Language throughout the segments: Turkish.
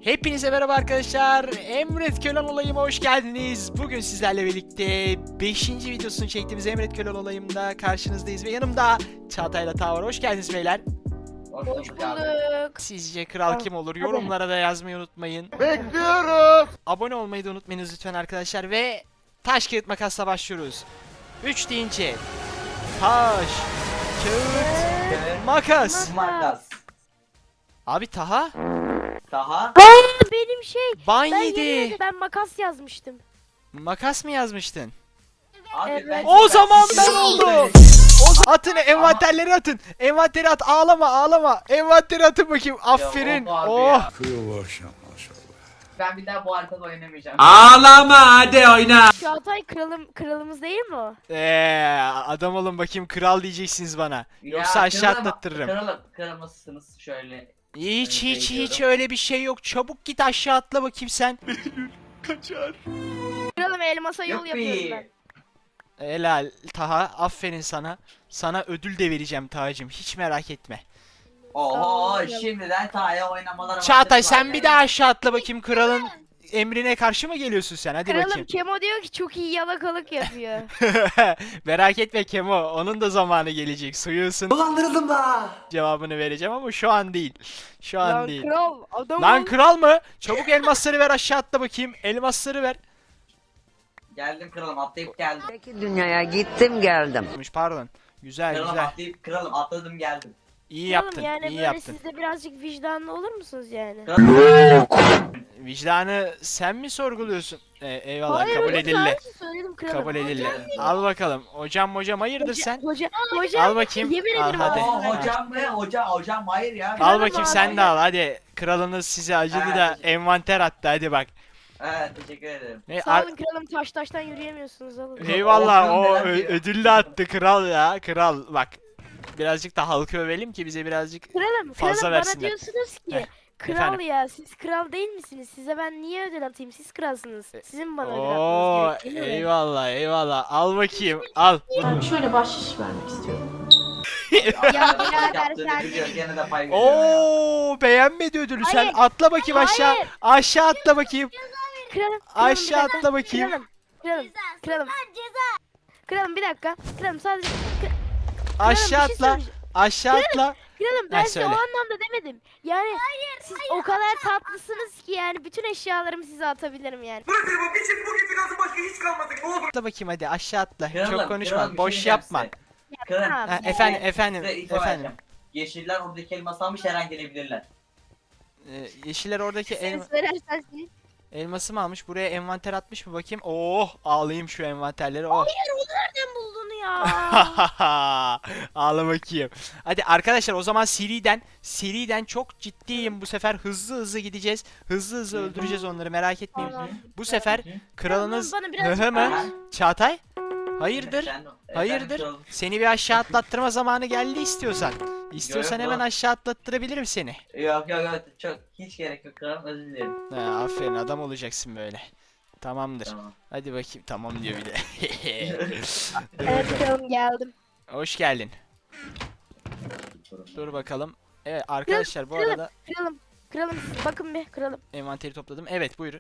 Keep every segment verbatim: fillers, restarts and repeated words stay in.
Hepinize merhaba arkadaşlar. Emret Kölen olayıma hoş geldiniz. Bugün sizlerle birlikte beşinci videosunu çektiğimiz Emret Kölen olayımda karşınızdayız ve yanımda Çağatay'la Ta var. Hoş geldiniz beyler. Hoş Hoş bulduk. Sizce kral kim olur? Hadi. Yorumlara da yazmayı unutmayın. Bekliyorum. Abone olmayı da unutmayınız lütfen arkadaşlar ve taş kağıt makasla başlıyoruz. üç deyince taş kağıt makas. Makas. Abi Taha Daha. Benim şey. ban Ben yedi. yemin ben makas yazmıştım. Makas mı yazmıştın? Abi Evet. ben O zaman ben Şimdi oldum. söyle. O zaman atın, envanterleri atın. Envanteri at, ağlama ağlama. Envanteri atın bakayım. Aferin. Ya, of abi Oh. ya. Kıyıvaşa maşallah. Ben bir daha bu haritada oynamayacağım. Ağlama hadi oyna. Çağatay kralım kralımız değil mi o? Eee adam olun bakayım, kral diyeceksiniz bana. Yoksa Ya, aşağı kralım- atlattırırım. Kralım, kralımızsınız şöyle. Hiç Ben hiç de hiç öyle bir şey yok. Çabuk git aşağı atla bakayım sen. Kralım elmasa yol yapıyorum Yuppi. ben. Helal Taha, aferin sana. Sana ödül de vereceğim Taha'cığım, hiç merak etme. Oho Sağ ol. şimdiden Taha'ya oynamalara Çağatay başladılar sen bir ya. daha aşağı atla bakayım, kralın emrine karşı mı geliyorsun sen? Hadi Kralım bakayım. Kemo diyor ki çok iyi yalakalık yapıyor. Merak etme Kemo, onun da zamanı gelecek. Suyu ısın. Dolandırıldım da. Cevabını vereceğim ama şu an değil. Şu an Lan değil. kral adam Lan ol. kral mı? Çabuk elmasları ver, aşağı atla bakayım. Elmasları ver. Geldim kralım atlayıp geldim. Öteki dünyaya gittim geldim. Pardon. Güzel Kralım güzel. atlayıp kralım atladım geldim. İyi Kralım yaptın. yani iyi böyle yaptın. siz de birazcık vicdanlı olur musunuz yani? Kralım. Vicdanı sen mi sorguluyorsun? Ee, eyvallah, Hayır, kabul hocam, edildi. sadece söyledim kralım. Kabul edildi. Al bakalım. Hocam hocam hayırdır Hoca, sen? Hoca, hocam, Al bakayım. yemin Al ederim hadi. Oo, hocam. hocam mı? Hocam, hocam hayır ya. Al Kralım bakayım abi. sen de al hadi. Kralınız size acıdı Evet, da teşekkür- envanter attı, hadi bak. Evet teşekkür ederim. Ne, Sağ ar- olun kralım, taş taştan yürüyemiyorsunuz alın. Eyvallah, O o neler ö- diyor? ödüllü attı kral ya. Kral bak. Birazcık da halkı övelim ki bize birazcık Kralım, fazla kralım versinler. bana diyorsunuz ki Heh, kral efendim? ya siz kral değil misiniz? Size ben niye ödül atayım? Siz kralsınız. Sizin bana ödül Oo, atmanız gerekiyor. değil mi? eyvallah eyvallah. Al bakayım. Al. Ben şöyle bahşiş vermek istiyorum. Ya birader Yaptığını sen biliyor, gene de pay veriyor ya. Oo, beğenmedi ödülü. Sen Hayır, atla bakayım aşağı. hayır. Aşağı atla bakayım. kralım, kralım Aşağı bir dakika. atla bakayım. Kralım, kralım, kralım. Kralım bir dakika. Kralım sadece Aşağı bir şey atla. söyleyeceğim. Açla atla. kralım ben Ha, size o söyle. anlamda demedim. Yani siz o kadar tatlısınız ki yani bütün eşyalarımı size atabilirim yani. Atla bakayım hadi, aşağı atla. Kralım, Çok konuşma. kralım, bir Boş şey yapma. diyeceğim size. Kralım, Ha, Ha, bir- efendim efendim size info efendim. vereceğim. Yeşiller oradaki elması almış her an gelebilirler. Ee, yeşiller oradaki el, Sen söylersen senin. elması mı almış? Buraya envanter atmış mı bakayım? Oh, ağlayayım şu envanterleri. Oh. Nereden buldun ya? Ağla bakayım. Hadi arkadaşlar, o zaman seriden seriden çok ciddiyim bu sefer, hızlı hızlı gideceğiz. Hızlı hızlı öldüreceğiz onları, merak etmeyin. Tamam. Bu sefer kralınız Bana hı birazcık hı mı? Aha. Çağatay? Hayırdır? Efendim, Hayırdır? efendim, kralım. Seni bir aşağı atlattırma zamanı geldi istiyorsan. İstiyorsan yok, hemen yok. aşağı atlattırabilirim seni. Yok yok yok çok hiç gerek yok kralım özür dilerim. Ha, aferin, adam olacaksın böyle. Tamamdır. Tamam. Hadi bakayım, tamam diyor bir de. Evet kralım geldim. Hoş geldin. Dur bakalım. Evet arkadaşlar, bu kralım. arada Kralım, kralım siz bakın bir kralım. envanteri topladım. Evet buyur.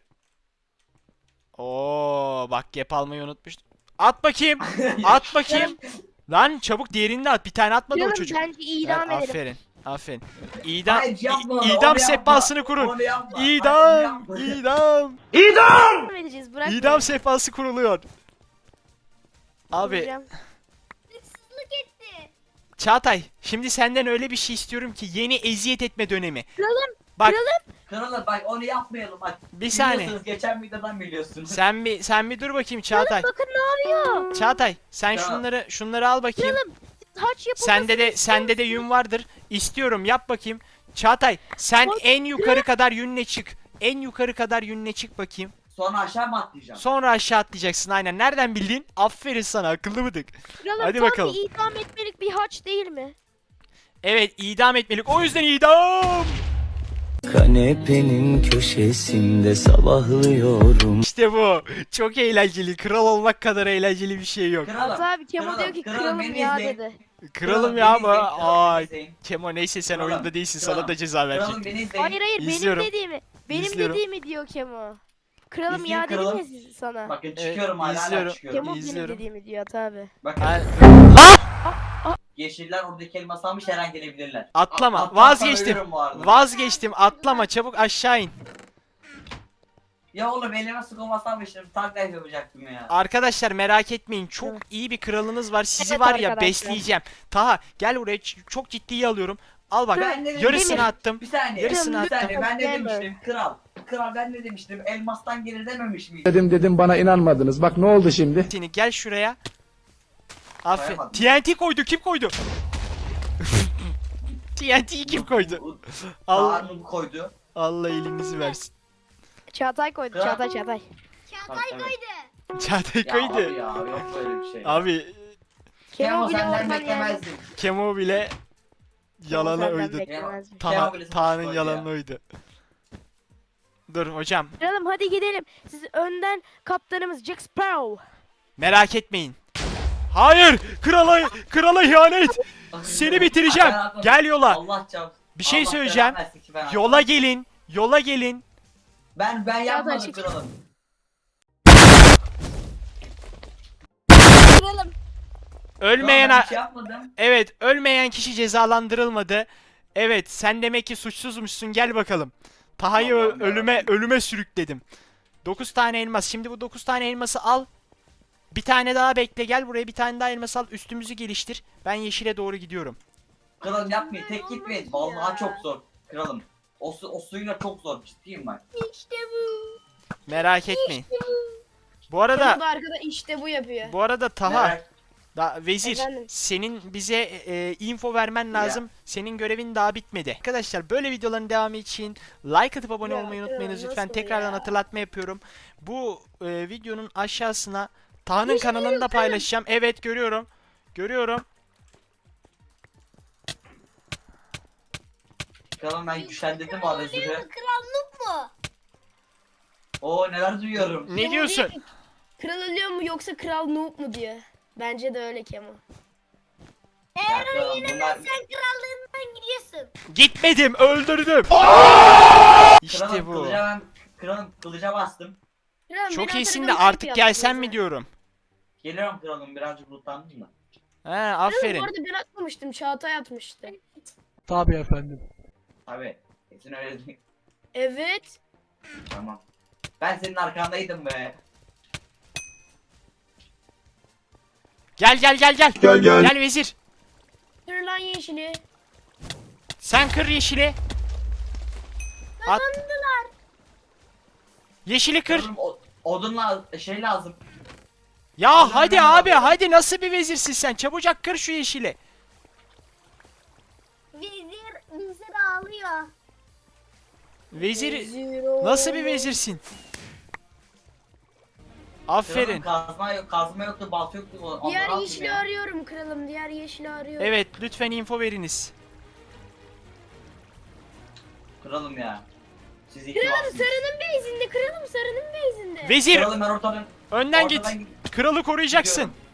Oo bak, gap almayı unutmuştum. At bakayım. At bakayım. Lan çabuk diğerini de at. Bir tane atmadı o Kralım çocuk. bence idam Ha, edelim. Aferin. Aferin. İdam, Hayır, yapma onu, i- onu idam yapma. sehpasını kurun. Onu yapma. Hayır, İdam, yapma. idam. İdam edeceğiz bırak. İdam sehpası kuruluyor. Abi Vuracağım. Çağatay, şimdi senden öyle bir şey istiyorum ki, yeni eziyet etme dönemi. Kralım, Bak kralım. Kralım bak onu yapmayalım bak. bir saniye. Biliyorsunuz, geçen videodan biliyorsunuz. Sen bir sen bir dur bakayım Çağatay. Bakın ne yapıyor? Çağatay sen Tamam. şunları şunları al bakayım. Kralım, taç yapılmasını Sende de sende de yün vardır. İstiyorum, yap bakayım. Çağatay sen Bak, en yukarı kadar yünle çık. En yukarı kadar yünle çık bakayım. Sonra aşağı mı atlayacağım? Sonra aşağı atlayacaksın, aynen. Nereden bildin? Aferin sana, akıllı mıdık? Kralım Hadi tam bakalım. bir idam etmelik bir haç değil mi? Evet, idam etmelik. O yüzden idam. Kanepenin köşesinde sabahlıyorum. İşte bu. Çok eğlenceli. Kral olmak kadar eğlenceli bir şey yok. Kralım. Hatta abi Kemo kralım, diyor ki kralım, kralım beni ya izleyin. dedi. Kralım ya beni izleyin, ama. kralım, Ay. beni izleyin. Kemo neyse sen Kralım, oyunda değilsin. kralım, Sana da ceza verecek. Kralım beni izleyin. Hayır hayır İzliyorum. benim dediğimi. Benim İzliyorum. dediğimi diyor Kemo. Kralım İzleyin ya dedim kralım. ya siz- sana. Bakın Evet, çıkıyorum hala, hala izliyorum. çıkıyorum. Kemo İzliyorum. benim dediğimi diyor Ata abi. Bakın Ha, yeşiller oradaki elması almış, her an gelebilirler. Atlama. A- atlarsam Vazgeçtim. ölürüm bu arada. Vazgeçtim. Atlama. Çabuk aşağı in. Ya oğlum elime sıkılmasam takla yapacaktım ya. Arkadaşlar merak etmeyin. Çok Evet. iyi bir kralınız var. Sizi Evet var ya arkadaşlar. besleyeceğim. Taha gel buraya. Ç- Çok ciddiye alıyorum. Al bak. Ben de- Yarısını Demir. attım. Bir saniye. Yarısını bir attım. saniye. Ben ne Demir. demiştim? Kral. Kral ben ne demiştim? Elmastan gelir dememiş miydim? Dedim dedim bana inanmadınız. Bak ne oldu şimdi? Seni gel şuraya. Aferin. Koyamadım. T N T koydu. Kim koydu? T N T'yi kim koydu? Allah, Harun koydu. Allah elinizi versin. Çağatay koydu. Kral. Çağatay Çağatay. Çağatay koydu. Çağatay Ya abi koydu. ya yok böyle bir şey. Abi Kemo Kemo bile senden oradan yani. beklemezdim. Kemo bile yalanı senden uydu. beklemezmiş. Taha, Kemo bile Taha'nın koydu yalanı ya. uydu. Dur hocam. Kralım hadi gidelim. Siz önden kaptanımız Jack Sparrow. Merak etmeyin. Hayır! Krala krala ihanet. Seni bitireceğim. Ben atmadım. Gel yola. Allah çarpsın. Bir şey Allah söyleyeceğim. belanı versin ki ben Yola gelin. Yola gelin. Ben ben yapmadım çekil. kralım. Kralım. Ölmeyen Ben a- bir şey yapmadım. Evet, ölmeyen kişi cezalandırılmadı. Evet, sen demek ki suçsuzmuşsun. Gel bakalım. Taha'yı ö- Allah'ım ölüme yarabbim. ölüme sürükledim. dokuz tane elmas. Şimdi bu dokuz tane elması al. Bir tane daha bekle. Gel buraya bir tane daha elmas al. Üstümüzü geliştir. Ben yeşile doğru gidiyorum. Kralım yapmayın. Tek gitmeyin. Vallahi çok zor. Kralım. O, su, o suyla çok zor. Ciddiyim ben. Merak etmeyin. Bu Kemo arada da arkada işte bu yapıyor. bu arada Taha, Merak- da vezir, Efendim? senin bize e, info vermen lazım. Senin görevin daha bitmedi. Arkadaşlar böyle videoların devamı için like atıp abone Ya, olmayı ya, unutmayınız lütfen. nasıl Tekrardan ya? hatırlatma yapıyorum. Bu e, videonun aşağısına Taha'nın kanalını da paylaşacağım. Evet görüyorum. Görüyorum. Kralım ben güçlendirdim bu arada sizi. Krallık mu? Oo neler duyuyorum. Ne diyorsun? Kral ölüyor mu yoksa kral noob mu diyor. Bence de öyle Kemo. Ya kralım bunlar... Gitmedim, öldürdüm. İşte Kralım bu. kılıca ben... Kralım kılıca bastım. Kralım, Çok beni iyisin de hatırlamak artık için gelsen yaptınız mi ha. diyorum. Geliyorum kralım birazcık lootlandım da. He, Kralım, aferin. bu arada ben atmamıştım. Çağatay atmıştı. Tabii. Kesin öyle değil. Evet. Tamam. Ben senin arkandaydım be. Gel gel gel gel. Gel, gel. Gel vezir. Kır lan yeşili. Sen kır yeşili. At. Yeşili kır. Kralım o, odun lazım, şey lazım. Ya Allah'ım hadi ben abi alıyorum. hadi nasıl bir vezirsin sen? Çabucak kır şu yeşili. Vezir, vezir ağlıyor. Vezir Zero. nasıl bir vezirsin? Aferin. Kralım kazma yok, kazma yoktu, balta yoktu. Onları Diğer attım yeşili ya. arıyorum kralım. Diğer yeşili arıyorum. Evet lütfen info veriniz. Kralım ya. Siz iki Kralım varsınız. sarının beyzinde. Kralım sarının beyzinde. Vezir Kralım ben ortadan... önden git. ortadan Kralı koruyacaksın. Gidiyorum.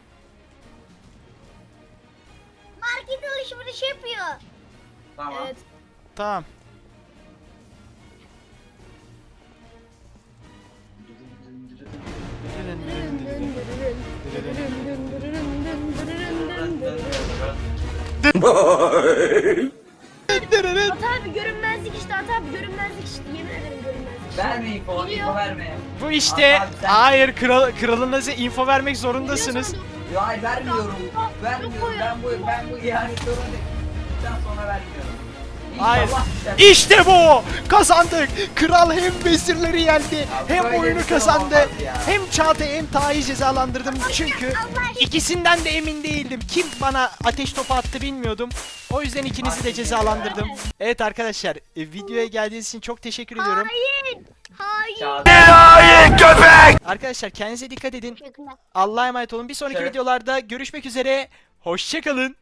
Market alışveriş yapıyor. Tamam. Evet. Tamam. Ata abi görünmezlik işte. Ata abi görünmezlik işte. Yemin ederim görünmezlik. Verme info, info verme. Bu işte Abi sen- hayır kral, kralınıza info vermek zorundasınız. Ya hayır vermiyorum. Vermiyorum. Ben bu ben bu ihanet zorundayım. sonra vermiyorum. Hayır. İnşallah düşer. İşte bu! Kazandık! Kral hem vezirleri yendi, hem böyle oyunu bir şey kazandı, olamaz ya. hem Çağatay'ı hem Taha'yı cezalandırdım. Çünkü ikisinden de emin değildim. Kim bana ateş topu attı bilmiyordum. O yüzden ikinizi de cezalandırdım. Evet arkadaşlar, e, videoya geldiğiniz için çok teşekkür ediyorum. Hayır. Hayır. Çağatay. Arkadaşlar kendinize dikkat edin. Teşekkürler. Allah'a emanet olun. Bir sonraki Evet. videolarda görüşmek üzere. Hoşçakalın.